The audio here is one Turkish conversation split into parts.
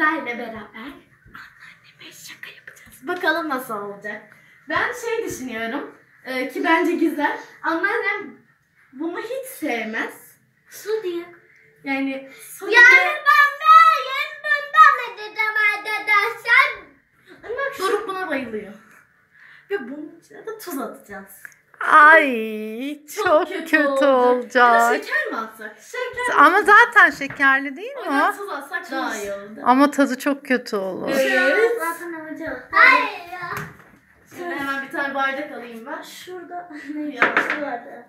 sizlerle beraber anneanneme şaka yapacağız. Bakalım nasıl olacak. Ben düşünüyorum ki bence güzel. Anneannem bunu hiç sevmez. Su diye. Yani su diye. Doruk buna bayılıyor. Ve bunun içine de tuz atacağız. Ay çok kötü olacak. Ya da şeker mi atsak? Şeker Ama zaten şekerli değil mi o? tuz atsak daha iyi olur. Ama tadı çok kötü olur. Evet. Zaten alacağız. Hayır ya. Şimdi hemen bir tane bardak alayım ben. Şurada ne vardı?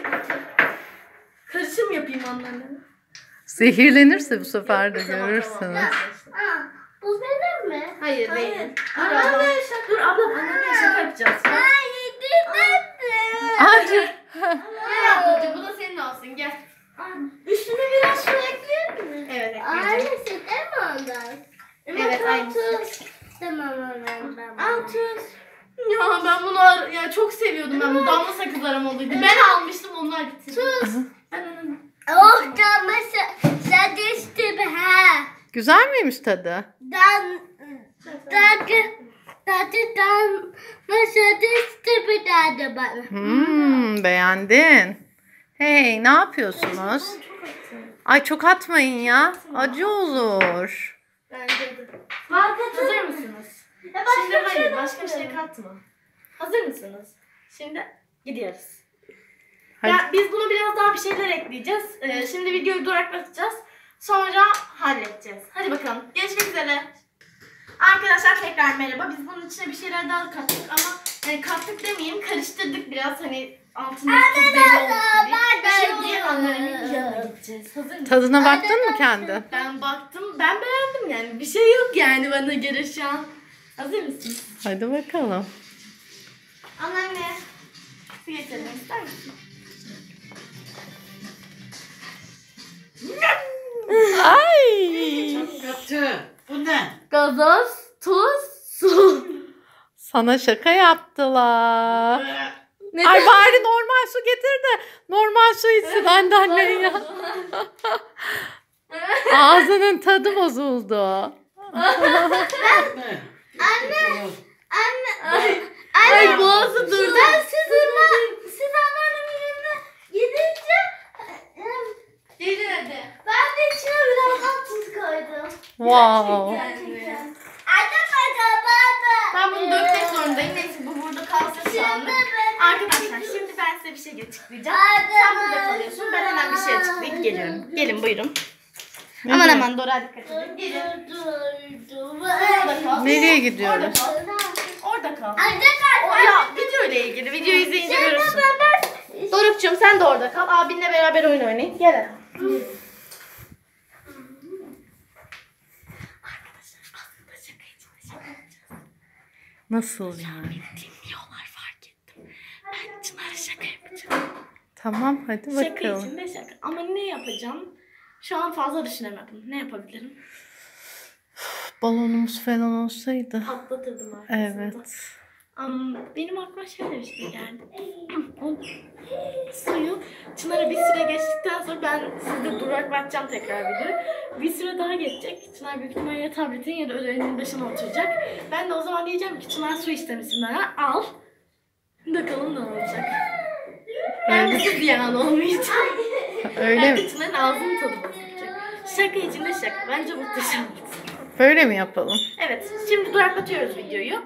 Karışım yapayım anneanneme. Zehirlenirse bu sefer de görürsünüz. Bu benim mi? Hayır değil. Dur abla anneanneye şaka yapacağız. Hayır Hadi. Gel ablacığım bu da senin olsun gel. Üstüne biraz su ekleyelim mi? Evet ekleyeceğim. Aynısı değil mi ondan? Evet aynısı. Tamam ondan. Al tuz. Ya ben bunu çok seviyordum ben bu damla sakız aromalıydı. Ben almıştım onlar bitirdi. Tuz. Ben onu... Oh damla sadistim ha. Güzel miymiş tadı? Beğendin. Hey, ne yapıyorsunuz? Ay çok atmayın ya. Acı olur. Bence de. Hazır mısınız? Şimdi hayır başka bir şey katma. Hazır mısınız? Şimdi gidiyoruz. Hadi. Ya, biz bunu biraz daha bir şeyler ekleyeceğiz. Şimdi videoyu duraklatacağız. Sonra halledeceğiz. Hadi bakalım. Görüşmek üzere. Arkadaşlar tekrar merhaba. Biz bunun içine bir şeyler daha kattık ama kattık demeyeyim karıştırdık biraz hani altını belli olsun diye. Şimdi anneannemin yanına gideceğiz. Hazır mısın? Tadına baktın mı kendi? Ben baktım. Ben beğendim yani. Bir şey yok yani bana göre şu an. Hazır mısın? Hadi bakalım. Anneanne. Su getirelim ister misin? Ay. Çok kötü. Bu ne? Gazoz, tuz, su. Sana şaka yaptılar. Neden? Ay bari normal su getir de normal su içsin annen ya. Ağzının tadı bozuldu. Ne? Ay boğazı durdu. Siz anneannemin yanına gidince Gelin hadi. ben de içine biraz daha tuz koydum. Wow. Gerçekten. Ben bunu dökmek zorundayım. Neyse bu burada kalsın şu anlık. Arkadaşlar şimdi ben size bir şey açıklayacağım. Sen burada kalıyorsun. Ben hemen bir şey açıklayıp geliyorum. Gelin buyurun. Aman aman Dora dikkat edin. Gelin. Orada kal. Nereye gidiyoruz? Orada kal. Anne Ya video ile ilgili. Videoyu izleyince görürsün. Doruk'cum sen de orada kal. Abinle beraber oyun oynayın. Gel. Arkadaşlar aslında şaka için şaka yapacağız. Nasıl yani? Dinliyorlar fark ettim. Ben Çınar'a şaka yapacağım. Tamam hadi Şaka bakalım. için de şaka. Ama ne yapacağım? Şu an fazla düşünemedim. Ne yapabilirim? Balonumuz falan olsaydı. Patlatırdım aslında. Evet. Benim aklıma şöyle bir şey geldi. Suyu Çınar'a bir süre geçtikten sonra ben sizde duraklatacağım tekrar videoyu. Bir süre daha geçecek. Çınar büyük ihtimalle ya tabletin ya da ödenenin başına oturacak. Ben de o zaman diyeceğim ki Çınar su istemişsin bana. Al. Bakalım ne olacak. Ben de ziyan olmayacak. Öyle mi? Çınar'ın ağzının tadı bozulacak. Şaka içinde şaka. Bence muhteşem. Böyle mi yapalım? Evet. Şimdi duraklatıyoruz videoyu.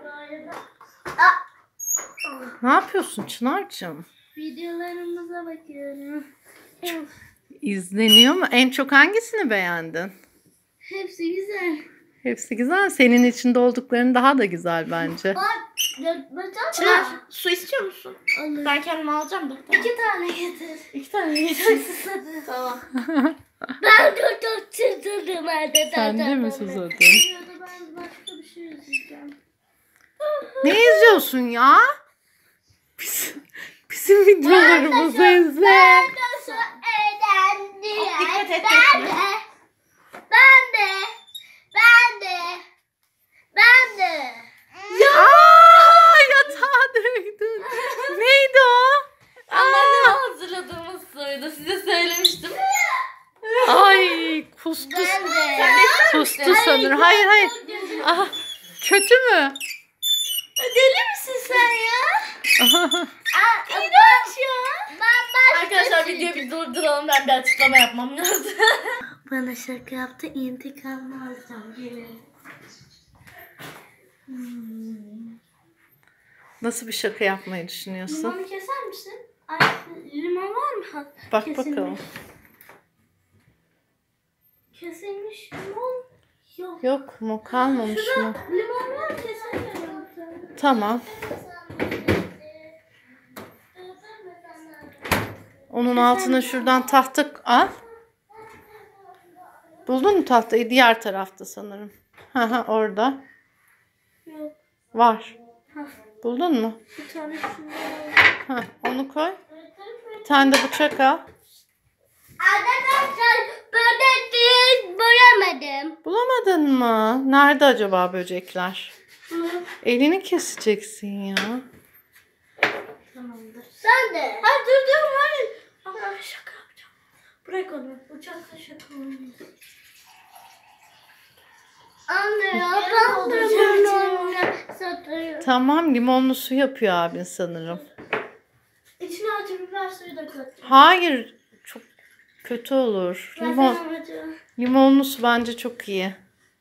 Ne yapıyorsun Çınar'cığım? videolarımıza bakıyorum. İzleniyor mu? En çok hangisini beğendin? Hepsi güzel. Hepsi güzel. Senin içinde oldukların daha da güzel bence. Çınar su istiyor musun? Olur. Ben kendime alacağım da. Tamam. 2 tane getir. 2 tane yiyeceksin. Tamam. Ben çok çıldırdım hadi. Sen de mi susadın? Ben başka bir şey izleyeceğim. Ne izliyorsun ya? Bizim videolarımızı izle. Nasıl eğlendi? Dikkat et, Ben dökme. de. Ben de. Ben de. Ben de. Aa, yatağa döktün. Neydi o? Anneanneme hazırladığımız suydu. Size söylemiştim. Ay Kustu. Ben de. Kustu sanırım. Hayır hayır. Aha, kötü mü? Deli misin sen ya? İğrenç ya. Ben Arkadaşlar videoyu bir durduralım, ben bir açıklama yapmam lazım. Bana şaka yaptı, intikamını alacağım. Gelin. Nasıl bir şaka yapmayı düşünüyorsun? Limonu keser misin? Ay, limon var mı? Bak Kesilmiş. bakalım. Kesilmiş limon yok. Yok mu? Kalmamış mı? Limon var, kesemiyorum. Tamam. Onun altına şuradan tahta al. Buldun mu tahtayı? Diğer tarafta sanırım. Hı orada. Yok. Var. Hah. Buldun mu? Bir tane şunu al. Onu koy. Bir tane de bıçak al. Arkadaşlar böcek boyamadım. Bulamadın mı? Nerede acaba böcekler? Elini keseceksin ya. Tamamdır. Sen de. Hayır dur hayır. Ama şaka yapacağım. Bırak onu. Uçakla şaka olmuyor. Anne ya ben de limonla satıyorum. Tamam, limonlu su yapıyor abin sanırım. İçine acı biber suyu da kat. Hayır, çok kötü olur. Limonlu su bence çok iyi.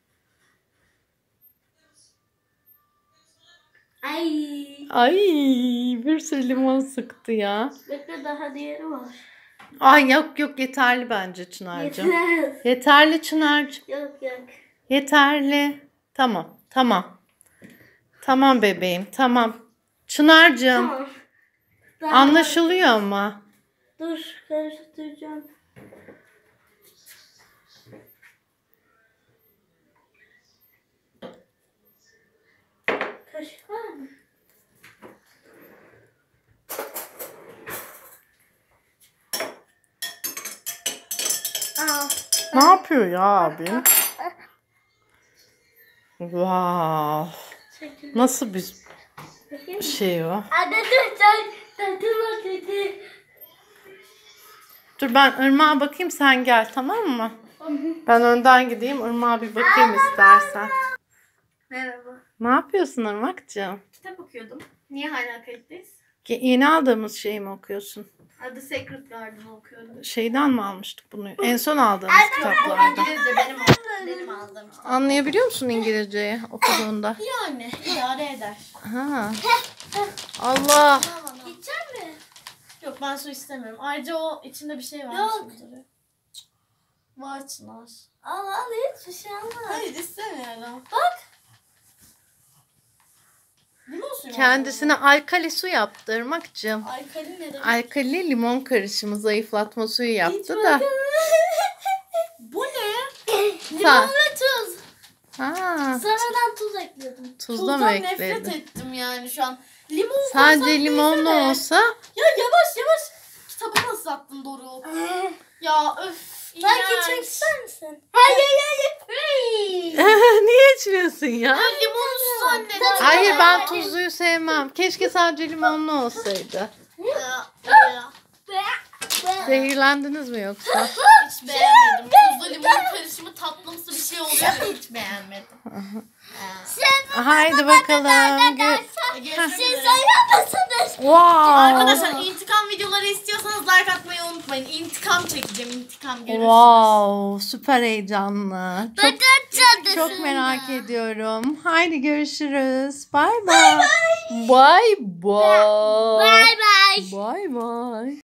Ay. Ay, bir sürü limon sıktı ya. Bekle daha diğeri var. Ay yok yok, yeterli bence Çınar'cığım. Yetmez. Yeterli Çınar'cığım. Yok yok. Yeterli. Tamam tamam. Tamam bebeğim tamam. Çınar'cığım Tamam. Daha anlaşılıyor ama. Dur karıştıracağım. Kaşık var mı? Aa. Ne yapıyor ya abin? Wow. Çekil. Nasıl bir Bakayım. şey o? Anne dur sen tadıma dedi. Dur ben Irmak'a bakayım, sen gel tamam mı? Ben önden gideyim, Irmak'a bir bakayım istersen. Merhaba. Ne yapıyorsun Irmak'cığım? Kitap okuyordum. Niye hala kayıttayız? Yeni aldığımız şeyi mi okuyorsun? The Secret Garden okuyordum. Şeyden mi almıştık bunu? En son aldığımız kitaplardan. İngilizce benim aldığım. Anlayabiliyor musun İngilizceyi okuduğunda? Yani idare eder. Ha. Allah. İçer mi? Yok ben su istemiyorum. Ayrıca o içinde bir şey var. Yok. Var Çınar. Al al hiçbir şey alma. Hayır istemiyorum. Bak. Limon suyu mu Kendisine alkali su yaptı Irmak'cığım. aldın? Alkali ne demek? Alkali limon karışımı zayıflatma suyu yaptı da. Bu ne? Sen- Limon ve tuz. Ha, Sonradan tuz ekledim. tuzla mı Tuzdan nefret ekledin? ettim yani şu an. Limon Sadece koysam limonlu neyse de. olsa Ya yavaş yavaş. Kitabı nasıl attın Doruk? Ya öf. Belki iğrenç. içmek ister misin? Hayır hayır. niye içmiyorsun ya? Ben limonu su zannettim. Hayır ben tuzluyu sevmem. Keşke sadece limonlu olsaydı. Zehirlendiniz mi yoksa? Hiç beğenmedim. Tuzlu limon karışımı tatlımsı bir şey oluyor ya hiç beğenmedim. Haydi bakalım. Görüşmek Siz üzere. oynamazsınız. Wow. Arkadaşlar intikam videoları istiyorsanız like atmayı unutmayın. İntikam çekeceğim. İntikam görürsünüz. Wow, süper heyecanlı. Çok Çok çok merak ediyorum. Haydi görüşürüz. Bye bye. Bye bye. Bye bye. Bye bye.